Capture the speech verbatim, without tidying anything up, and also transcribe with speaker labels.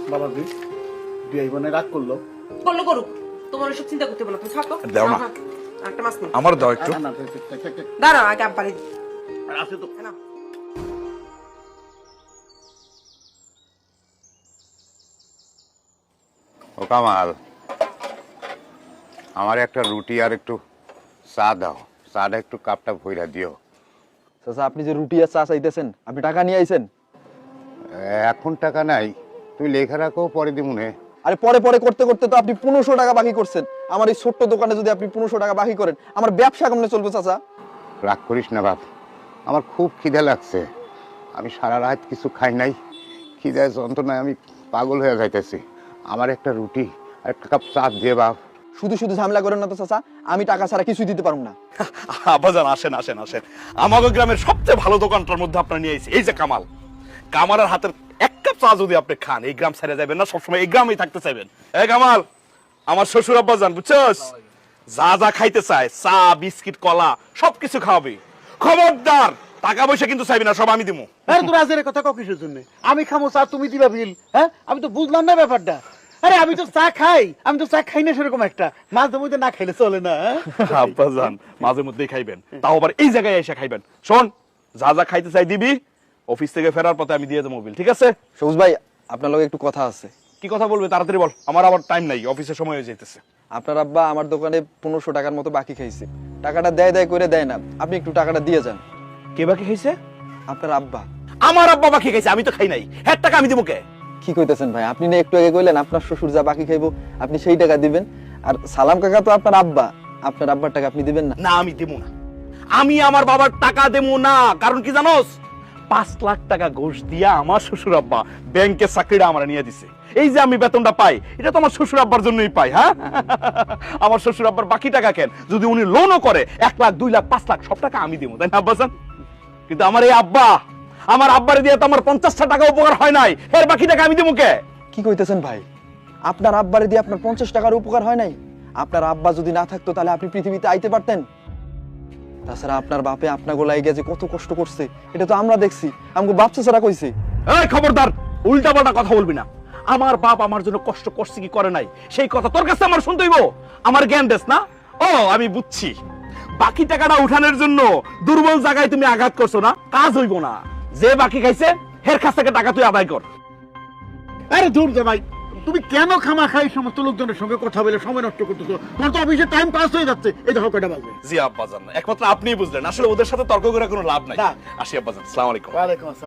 Speaker 1: বাবা জি বিয়ে বোনে রাগ করলো
Speaker 2: করলো করুক, তোমার ওসব চিন্তা করতে বলো, তুমি থাকো।
Speaker 3: দাও না।
Speaker 2: হ্যাঁ, হ্যাঁ, একটা মাছ নিই।
Speaker 3: আমার দাও একটু।
Speaker 1: না, না, থাক, থাক, থাক, থাক।
Speaker 2: দাঁড়াও, আগে আব্বারে দিই।
Speaker 1: আছে তো
Speaker 2: নাও।
Speaker 4: ও কামাল, আমার একটা রুটি আর একটু চা দাও। চাটা একটু কাপটা ভইরা দিও।
Speaker 5: চাচা আপনি যে রুটি আর চা চাইতেছেন, আপনি টাকা নিয়ে আইছেন?
Speaker 4: এখন টাকা নাই, তুমি লেখা রাখো, পরে দিমুনে।
Speaker 5: আরে পরে পরে করতে করতে তো আপনি পনেরোশো টাকা বাকি করছেন। আমার এই ছোট্ট দোকানে যদি আপনি পনেরোশো টাকা বাকি করেন, আমার ব্যবসা কেমনে চলবে চাচা?
Speaker 4: রাগ করিস না বাপ, আমার খুব খিদে লাগছে। আমি সারা রাত কিছু খাই নাই, খিদায় যন্ত্রণায় আমি পাগল হয়ে যাইতেছি। আমার একটা রুটি আর একটা কাপ চা দিয়ে বাপ।
Speaker 5: শুধু শুধু ঝামেলা করেন না তো চাচা, আমি টাকা ছাড়া কিছুই দিতে পারবো না।
Speaker 3: আব্বাজান আসেন আসেন আসেন, আমাদের গ্রামের সবচেয়ে ভালো দোকানটার মধ্যে আপনার নিয়ে আইছি। এই যে কামাল, কামালের হাতের এক কাপ চা যদি আপনি খান, এই গ্রাম ছেড়ে যাবেন না, সবসময় এই গ্রামেই থাকতে চাইবেন। এই কামাল, আমার শ্বশুর আব্বাজান বুঝছস, যা যা খাইতে চায়, চা বিস্কিট কলা সবকিছু খাওয়াবি। খবরদার টাকা পয়সা কিন্তু চাইবি না, সব আমি দিমু।
Speaker 1: আরে তোর আজের কথা ক কিসের জন্য? আমি খামো চা, তুমি দিবা বিল? হ্যাঁ, আমি তো বুঝলাম না ব্যাপারটা। আরে আমি তো চা খাই, আমি তো চা খাই না সেরকম একটা, মাঝে মধ্যে না খাইলে চলে না। হ্যাঁ?
Speaker 3: আব্বাজান মাঝে মধ্যেই খাইবেন, তাও আবার এই জায়গায় এসে খাইবেন। শোন, যা যা খাইতে চাই দিবি, অফিস থেকে ফেরার পথে আমি দিয়ে দেবো মোবিল, ঠিক আছে?
Speaker 5: সবুজ ভাই, আপনার লগে একটু কথা আছে।
Speaker 3: কি কথা বলবে তাড়াতাড়ি বল, আমার আবার টাইম নাই, অফিসের সময় হয়ে যাইতেছে।
Speaker 5: আপনার আব্বা আমার দোকানে পনেরোশো টাকার মতো বাকি খাইছে। টাকাটা দেয় দেয় করে দেয় না, আপনি একটু টাকাটা দিয়ে যান।
Speaker 3: কে বাকি খাইছে?
Speaker 5: আপনার আব্বা।
Speaker 3: আমার আব্বা বাকি খাইছে, আমি তো খাই নাই। হ্যাঁ, টাকা আমি দিব কে?
Speaker 5: কি কইতেছেন ভাই? আপনি না একটু আগে কইলেন আপনার শ্বশুর যা বাকি খাইবো আপনি সেই টাকা দিবেন, আর সালাম কাকা তো আপনার আব্বা, আপনার আব্বার টাকা আপনি দিবেন না?
Speaker 3: না, আমি দেবো না, আমি আমার বাবার টাকা দেবো না। কারণ কি জানোস, পাঁচ লাখ টাকা ঘুষ দিয়া আমার শ্বশুর আব্বা ব্যাংকের চাকরিটা আমার নিয়ে দিছে। এই যে আমি বেতনটা পাই, এটা তো আমার শ্বশুর আব্বার জন্যই পাই। হ্যাঁ, আমার শ্বশুর আব্বার বাকি টাকা কেন, যদি উনি লোনও করে এক লাখ দুই লাখ পাঁচ লাখ সব টাকা আমি দেবো, তাই না আব্বাজান? কিন্তু আমার এই আব্বা, আমার আব্বারে দিয়ে তো আমার পঞ্চাশটা টাকা উপকার হয় নাই, এর বাকি টাকা আমি দেবো কে?
Speaker 5: কি কইতেছেন ভাই? আপনার আব্বারে দিয়ে আপনার পঞ্চাশ টাকার উপকার হয় নাই? আপনার আব্বা যদি না থাকতো তাহলে আপনি পৃথিবীতে আইতে পারতেন? তাছাড়া আপনার বাপে আপনার গোলাই গিয়ে যে কত কষ্ট করছে এটা তো আমরা দেখছি, আমাকে বাপসা ছাড়া কইছে।
Speaker 3: এই খবরদার, উল্টা পাল্টা কথা বলবি না। আমার বাপ আমার জন্য কষ্ট করছে কি করে নাই সেই কথা তোর কাছে আমার শুনতে হইব? আমার জ্ঞান দেস না? ও আমি বুঝছি, বাকি টাকাটা উঠানোর জন্য দুর্বল জায়গায় তুমি আঘাত করছো না, কাজ হইব না। যে বাকি খাইছে হের কাছ থেকে টাকা তুই আদায় কর।
Speaker 1: আরে দূর দে ভাই, তুমি কেন খামা খাই সমস্ত লোকজনের সঙ্গে কথা বলে সময় নষ্ট করতেছো? তোমার তো অফিসে টাইম পাস হয়ে যাচ্ছে। এই দেখো কয়টা বাজে।
Speaker 3: জি আব্বাজান, একমাত্র আপনিই বুঝলেন, আসলে ওদের সাথে তর্ক করে কোনো লাভ নাই।
Speaker 1: না।
Speaker 3: আসি আব্বাজান, আসসালামু আলাইকুম।
Speaker 1: ওয়ালাইকুম আসসালাম।